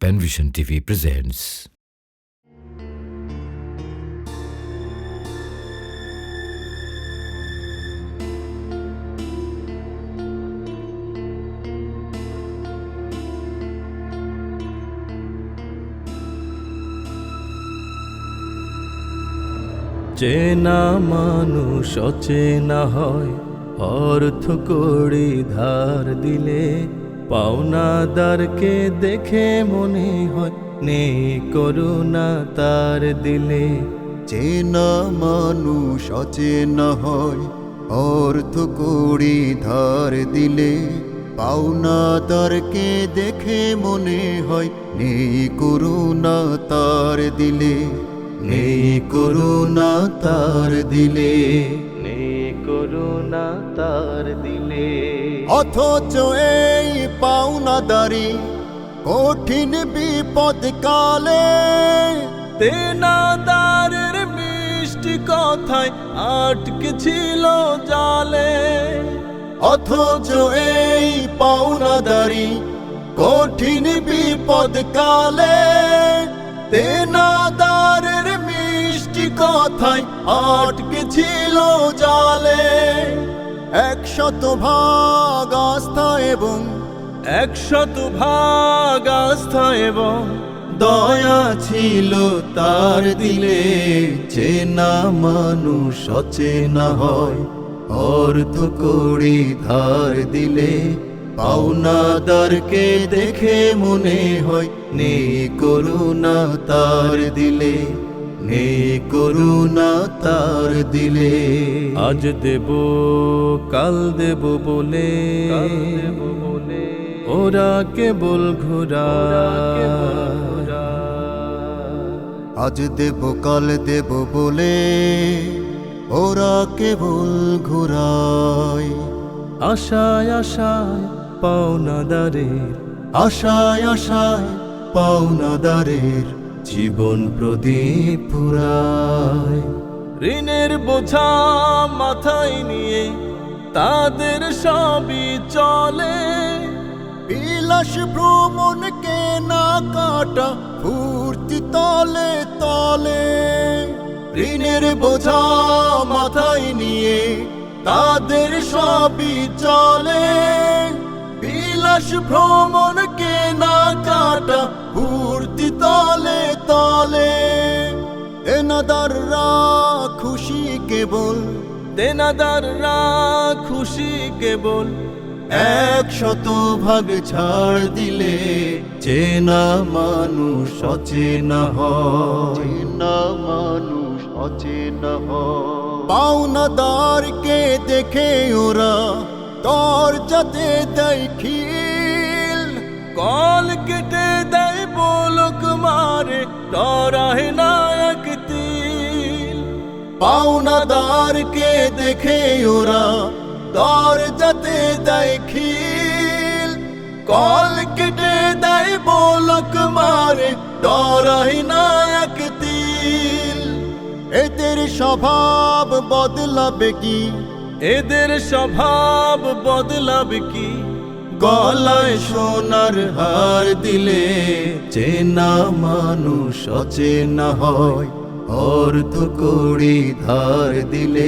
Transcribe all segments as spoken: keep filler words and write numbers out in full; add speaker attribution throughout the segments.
Speaker 1: Penvision TV presents
Speaker 2: চেনা মানুষ অচেনা হয়, অর্থ করি ধার দিলে পাওনাদারকে দেখে মনে হয় নেই করুণা তার দিলে।
Speaker 3: চেনা মানুষ অচেনা হয়, অর্থ করি ধার দিলে পাওনাদারকে দেখে মনে হয় নেই করুণা তার দিলে, নেই করুণা তার দিলে,
Speaker 2: নেই করুণা তার দিলে।
Speaker 3: অথচ এই পাওনাদারি কঠিন বিপদ কালে
Speaker 2: দেনাদারের মিষ্টি কথায় আটকে ছিল জালে।
Speaker 3: অথচ এই পাওনাদারি কঠিন বিপদ কালে দেনাদারের মিষ্টি কথায় আটকে ছিল জালে। একশত ভাগ আস্থা এবং
Speaker 2: একশত ভাগ আস্থা এবং
Speaker 3: দয়া ছিল তার দিলে। চেনা মানুষ অচেনা হয়, অর্থ করি ধার দিলে পাওনাদারকে দেখে মনে হয় নেই করুণা তার দিলে, নেই করুণা তার দিলে।
Speaker 2: আজ দেব কাল দেব বলে ওরা কেবল ঘোরা।
Speaker 3: আজ দেব কাল দেব বলে ওরা কেবল ঘুরায়।
Speaker 2: আশায় আশায় পাওনাদারের,
Speaker 3: আশায় আশায় পাওনাদারের জীবন প্রদীপ পুরায়।
Speaker 2: ঋণের বোঝা মাথায় নিয়ে তাদের সবই চলে।
Speaker 3: বিলাস ভ্রমণ কেনা কাটা ফুর্তি তলে তলে। ঋণের বোঝা মাথায় নিয়ে তাদের সবই চলে। বিলাস ভ্রমণ কেনা কাটা ফুর্তি তলে তলে। দেনাদাররা খুশি কেবল,
Speaker 2: দেনাদাররা খুশি কেবল
Speaker 3: একশত ভাগ ছাড় দিলে। চেনা মানুষ অচেনা হয়, চেনা মানুষ অচেনা হয়। পাওনাদারকে দেখে ওরা তোর যাতে দেয় খিল,
Speaker 2: কল কেটে দেয় বলক মারে ডরায় না এক তিল।
Speaker 3: পাওনাদারকে দেখে ওরা তোর যাতে দেয় খিল, কল কেটে দেয় বলক মারে ডরায় না এক তিল। এদের স্বভাব বদলাবে কি,
Speaker 2: এদের স্বভাব বদলাবে কি?
Speaker 3: গলায় সোনার হার দিলে। চেনা মানুষ অচেনা হয়, অর্থ করি ধার দিলে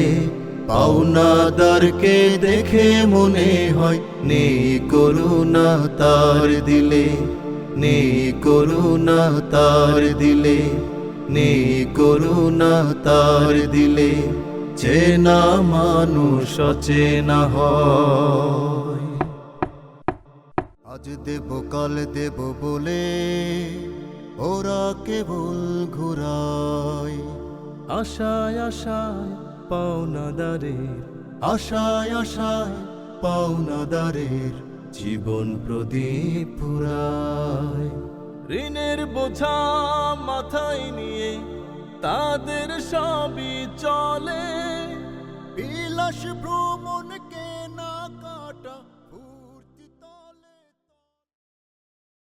Speaker 3: পাওনাদারকে দেখে মনে হয় নেই করুণা তার দিলে, নেই করুণা তার দিলে, নেই করুণা তার দিলে। চেনা মানুষ অচেনা হয়। আজ দেব কাল দেব বলে ওরা কেবল ঘুরায়।
Speaker 2: আশায় আশায় পাওনাদারের,
Speaker 3: আশায় আশায় পাওনাদারের জীবন প্রদীপ পুরায়।
Speaker 2: ঋণের বোঝা মাথায় নিয়ে তাদের সবই চলে।
Speaker 3: বিলাস ভ্রমণ